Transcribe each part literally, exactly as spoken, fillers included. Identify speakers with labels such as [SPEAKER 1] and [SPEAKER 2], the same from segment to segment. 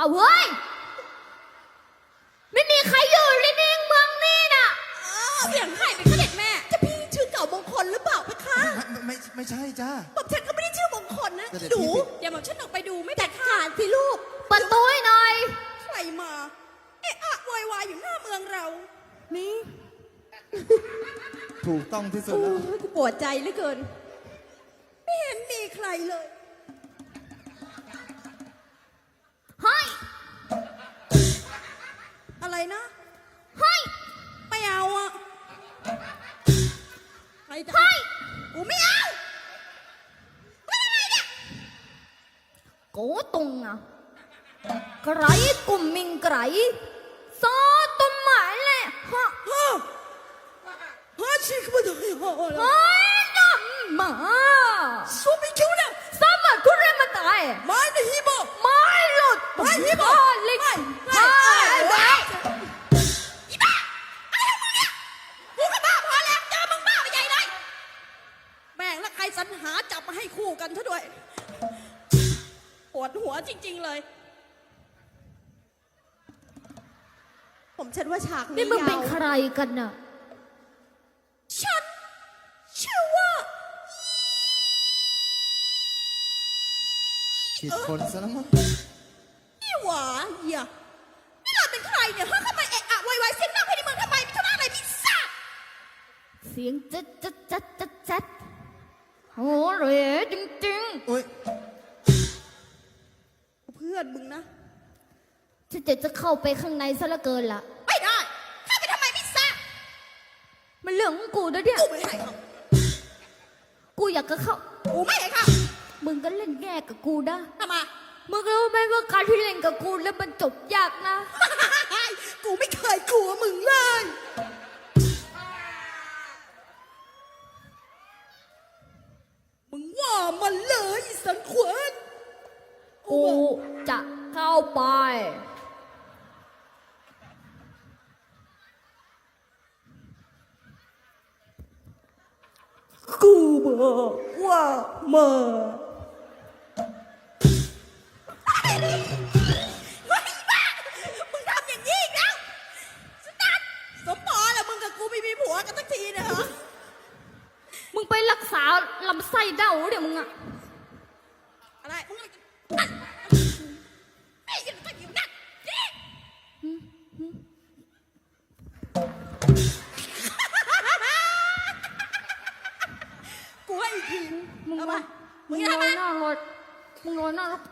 [SPEAKER 1] เอาเฮ้ยไม่มีใครอยู่ในเมืองนี่น่ะ
[SPEAKER 2] เสียงใครเป็นเสด็จแม่จะพี่ชื่อเก่ามงคลหรือเปล่าเพคะ
[SPEAKER 3] ไม่ไม่ไม่ใช่จ้า
[SPEAKER 2] ผมฉันก็ไม่ได้ชื่อมงคลนะหนูเดี๋ยวผมฉันออกไปดูไม่แต่ขาดสิลูก
[SPEAKER 1] ประตูให้หน่อย
[SPEAKER 2] ใครมาเอะอะวายวายอยู่หน้าเมืองเรานี่
[SPEAKER 3] ถูกต้องที่สุดแล้ว
[SPEAKER 2] กูปวดใจเหลือเกินไม่เห็นมีใครเลย
[SPEAKER 1] เฮ้ย
[SPEAKER 2] อะไรนะ
[SPEAKER 1] เฮ้ย
[SPEAKER 2] ไม่เอาอ่ะใครจะ
[SPEAKER 1] เฮ้ย
[SPEAKER 2] กูไม่เอาไม่อะไรเนี่ย
[SPEAKER 1] โกตงอ่ะไกรกุ่มมิงไกรซอต้นหมายเลยฮะ
[SPEAKER 2] ฮะฮะชิคกี้พายฮะ
[SPEAKER 1] เฮ้ยน้ำมา
[SPEAKER 2] สู้ไม่คิวเนี่ย
[SPEAKER 1] สามัคคุณเรมาตาย
[SPEAKER 2] ไม่ในฮิโบ
[SPEAKER 1] ไม่หลุด
[SPEAKER 2] ไม่ฮิโบ
[SPEAKER 1] ไม่
[SPEAKER 2] ไม่
[SPEAKER 1] ไม่ไม่
[SPEAKER 2] อีบ้าอะไรของมึงเนี่ยกูก็บ้าพอแล้วเจอมึงบ้าไปใหญ่เลยแม่งแล้วใครสรรหาจับมาให้คู่กันซะด้วยปวดหัวจริงๆเลยผมฉันว่าฉากนี้
[SPEAKER 1] นี่มึงเป็น
[SPEAKER 2] ยาว
[SPEAKER 1] ใครกันน่ะ
[SPEAKER 2] ฉันชื่อว่า
[SPEAKER 3] ผิดคนซะแล้วมั้ง
[SPEAKER 2] อีหวาเหี้ยนี่เราเป็นใครเนี่ยฮะทำไมเอะอะวายวายเสียงดังภายในเมืองทำไมมีธุระอะไรไม่ทราบ
[SPEAKER 1] เสียงจัดจัดจัดจัดจัดโอ้เรจริงจริง
[SPEAKER 3] โอ้ย
[SPEAKER 2] เพื่อนมึงนะ
[SPEAKER 1] ฉันจะจะเข้าไปข้างในซะละเกินละ
[SPEAKER 2] ไม่ได้เข้าไปทำไมไม่ทราบ
[SPEAKER 1] มันเรื่องของกูนะเนี่ย
[SPEAKER 2] กูไม่ให้เขา
[SPEAKER 1] กูอยากจะเข้า
[SPEAKER 2] กูไม่ให้เขา
[SPEAKER 1] มึงก็เล่นแง่กับกูนะ
[SPEAKER 2] ทำไม
[SPEAKER 1] มึงรู้ไหมว่าการที่เล่นกับกูแล้วมันจบยากนะ
[SPEAKER 2] กูไม่เคยกลัวมึงเลยมึงว่ามันเลยสันขวัญ
[SPEAKER 1] กูจะเข้าไป
[SPEAKER 2] กูบอกว่ามาไม่บ้ามึงทำอย่างนี้อีกแล้วสตันสมปอแล้วมึงกับกูไม่มีผัวกันสักทีนะฮะ
[SPEAKER 1] มึงไปรักษาลำไส้เด้าเดี๋ยวมึงอะ
[SPEAKER 2] อะไรมึงไอ้ยังต้องอยู่นั่นกูให้อีกที
[SPEAKER 1] มึง
[SPEAKER 2] เอามามึง
[SPEAKER 1] ลอยหน้ารถมึงลอยหน้ารถ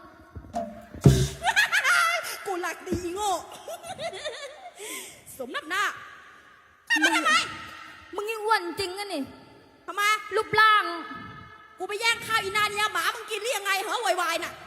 [SPEAKER 2] กูหลักดีโง่สมน้ำหน้ามึงทำไม
[SPEAKER 1] มึงยิ่งอ้วนจริงอะนี่
[SPEAKER 2] ทำไม
[SPEAKER 1] รูปร่าง
[SPEAKER 2] กูไปแย่งข้าวอีนาเนี่ยหมามึงกินหรือยังไงเหรอวายๆน่ะ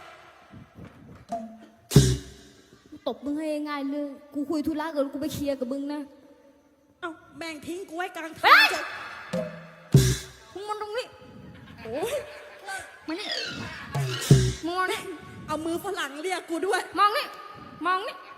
[SPEAKER 1] ตบมึงให้ง่ายเลยกูคุยธุระกับกูไปเคลียร์กับมึงนะ
[SPEAKER 2] เอ้าแบ่งทิ้งกูไว้กลางทางจะ
[SPEAKER 1] มึงมองตรงนี้โอ้ยมานี่มองนี่
[SPEAKER 2] เอามือฝรั่งเรียกกูด้วย
[SPEAKER 1] มองนี่มองนี่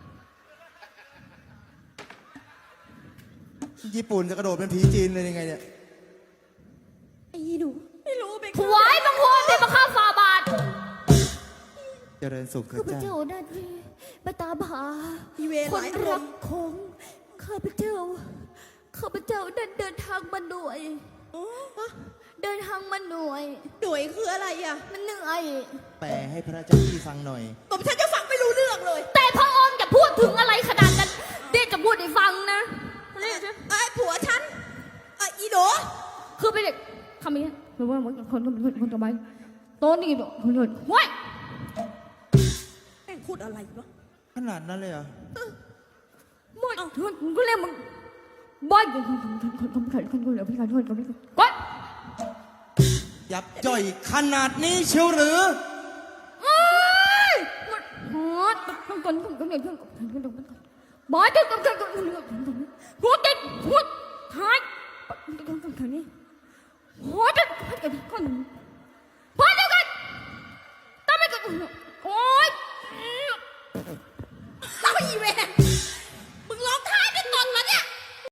[SPEAKER 3] ญี่ปุ่นจะกระโดดเป็นผีจีนเลยยังไงเนี่ย
[SPEAKER 2] ไอ้หนูไม่รู้ไป
[SPEAKER 1] ถวายบังคมเป็นมาฆ่าฝ่าบาท
[SPEAKER 3] เจริญสุขเถิด
[SPEAKER 1] จ้าข้าพเจ้านั่นมาตามหาคนรักของข้าพเจ้าข้าพเจ้าเดินเดินทางมาหน่วยเดินทางมาหน่วย
[SPEAKER 2] หน่วยคืออะไรอ่ะ
[SPEAKER 1] มันเหนื่อย
[SPEAKER 3] แปลให้พระเจ้าพี่ฟังหน่อย
[SPEAKER 2] ผมฉันจะฟังไม่รู้เรื่องเลย
[SPEAKER 1] แต่พระองค์จะพูดถึงอะไรขนาดนั้นเดี๋ยวจะพูดให้ฟังนะ
[SPEAKER 2] ไอ้ผัวฉันไอ้อีโด
[SPEAKER 1] คือเป็นเด็กคำนี้หรือว่าคนคนคนคนต่อไปโต๊ะนี่คนคนว้าย
[SPEAKER 2] แม่งพูดอะไรวะ
[SPEAKER 3] ขนาดนั้นเลยเหรอ
[SPEAKER 1] หมดมึงก็เรียกมึงบ้าคนคนคนคนคนคนคนคนเหลือพี่การคนคนคนก้อน
[SPEAKER 3] ยับย่อยขนาดนี้เชียวหรือ
[SPEAKER 1] เอ้ยหมดคนคนคนคนคนคนคนคนบ้าจนคนคนคนคนคนหัวติดหัวท้ายคนคนคนนี้หัวติดหัวติดคนพอเดียวกันต้องไม่กัน